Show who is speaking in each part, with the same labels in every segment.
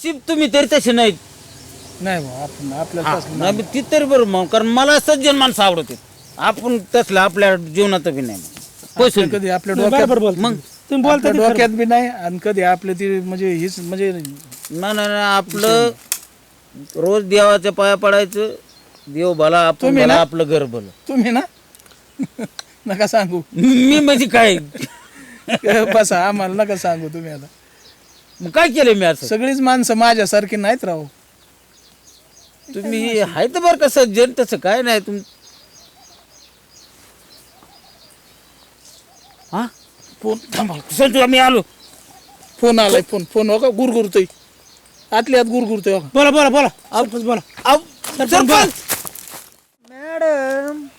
Speaker 1: नशीब तुम्ही तरी तसे नाहीत.
Speaker 2: नाही भाऊ, आपण आपल्याला तसलं
Speaker 1: नाही मग ती तरी बरं मग, कारण मला सज्जन माणसं आवडते. आपण तसलं आपल्या जीवनात बी नाही पैसे
Speaker 2: आपलं कधी आपल्या
Speaker 3: बरोबर
Speaker 2: डोक्यात
Speaker 3: बोलतो
Speaker 1: मग
Speaker 3: तुम्ही बोलता
Speaker 2: आपल्या
Speaker 3: ते खरं.
Speaker 2: डोक्यात बी नाही आणि कधी आपले ती म्हणजे हीच म्हणजे
Speaker 1: नाही आपलं रोज देवाच्या पाया पडायचं. देव भला आपण
Speaker 2: तुम्ही
Speaker 1: भला
Speaker 2: ना?
Speaker 1: आपलं घर भलं.
Speaker 2: तुम्ही ना नका सांगू
Speaker 1: मी म्हणजे काय
Speaker 2: बसा आम्हाला नका सांगू तुम्ही आता.
Speaker 1: मग काय केलं मी असं?
Speaker 2: सगळीच माणसं माझ्यासारखी नाहीत राहू.
Speaker 1: तुम्ही आहे तर बरं का सज्जन, तसं काय नाही तुम हा
Speaker 2: फोन थांबा,
Speaker 1: संजू आम्ही आलो.
Speaker 2: फोन आलाय. फोन हो का गुरगुरतोय, आतल्या आत गुरगुरतोय हो का.
Speaker 3: बोला बोला बोला सरपंच बोला.
Speaker 1: आव, सरपंच
Speaker 4: मॅडम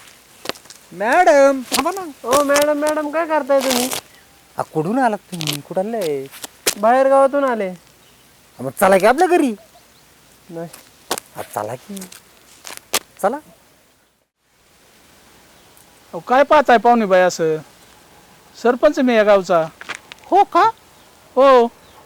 Speaker 4: मॅडम थांबा ना. हो मॅडम मॅडम काय करताय तुम्ही?
Speaker 5: कुठून आलात तुम्ही? कुठं आलंय?
Speaker 4: बाहेर गावातून आले.
Speaker 5: मग चला की आपल्या घरी.
Speaker 4: नाही
Speaker 5: चला की चला.
Speaker 2: अहो, काय पाहताय पाहुणे बाई असं? सरपंच मी या गावचा.
Speaker 5: हो का?
Speaker 2: हो.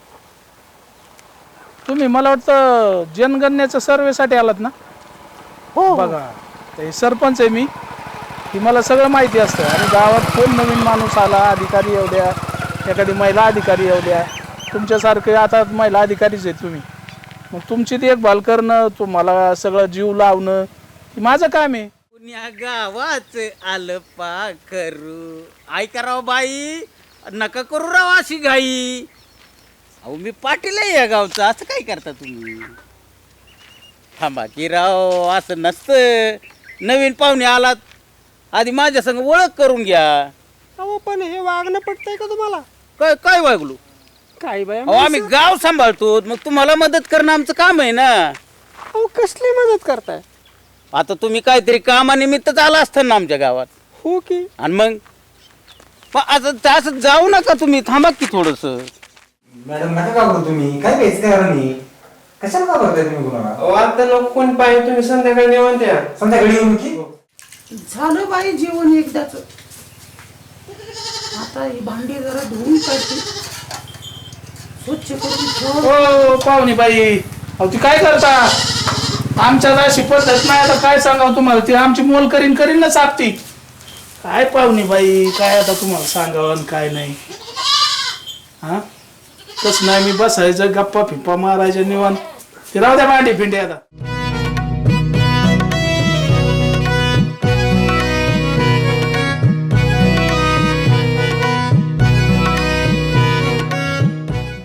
Speaker 2: तुम्ही मला वाटतं जनगणनेच्या सर्वेसाठी आलात ना?
Speaker 5: हो
Speaker 2: बघा ते सरपंच आहे मी, की मला सगळं माहिती असतं. आणि गावात कोण नवीन माणूस आला, अधिकारी येऊ द्या, एखादी महिला अधिकारी येऊ द्या, तुमच्यासारखे आता महिला अधिकारीच आहेत तुम्ही, मग तुमची देखभाल करणं, तुम्हाला सगळं जीव लावणं हे माझं काम आहे.
Speaker 1: पुण्या गावाच आलं पा करू. ऐका राव बाई, नका करू राव अशी घाई. अहो मी पाटील आहे या गावचा, असं काय करता तुम्ही? थांबा की राव, असं नसतं. नवीन पाहुणे आलात, आधी माझ्या संग ओळख करून घ्या.
Speaker 4: अहो पण हे वागणं पटतंय का तुम्हाला?
Speaker 1: काय काय वागलो?
Speaker 4: काय बाय
Speaker 1: अहो आम्ही गाव सांभाळतो, मग तुम्हाला मदत करणं आमचं काम आहे ना.
Speaker 4: अहो कसली मदत करताय?
Speaker 1: आता तुम्ही काहीतरी कामानिमित्तच आला असतं ना आमच्या गावात.
Speaker 4: हो की.
Speaker 1: आणि मग असं जाऊ नका तुम्ही, थांबा की थोडस.
Speaker 5: मॅडम नका का करू तुम्ही? काय घ्यायचं काय नाही, कशाला का करताय तुम्ही कुणाला?
Speaker 4: अहो आता लोक कोण पाहिजे, तुम्ही संध्याकाळी निवांत या.
Speaker 5: संध्याकाळी येऊन की
Speaker 6: झालं बाई जेवण एकदाच. आता ही भांडी जरा धुवून काढते, स्वच्छ करून ठेव.
Speaker 2: हो पाहुणे बाई, अहो ती काय करता? आमच्या अशी पद्धत नाही. आता काय सांगावं तुम्हाला, ती आमची मोल करीन ना सापती. काय पाहुणे बाई, काय आता तुम्हाला सांगावं आणि काय नाही. हा तसं नाही, मी बसायचं गप्पा फिप्पा मारायच्या निवांत. ते राहू द्या भांडी फिंडी आता.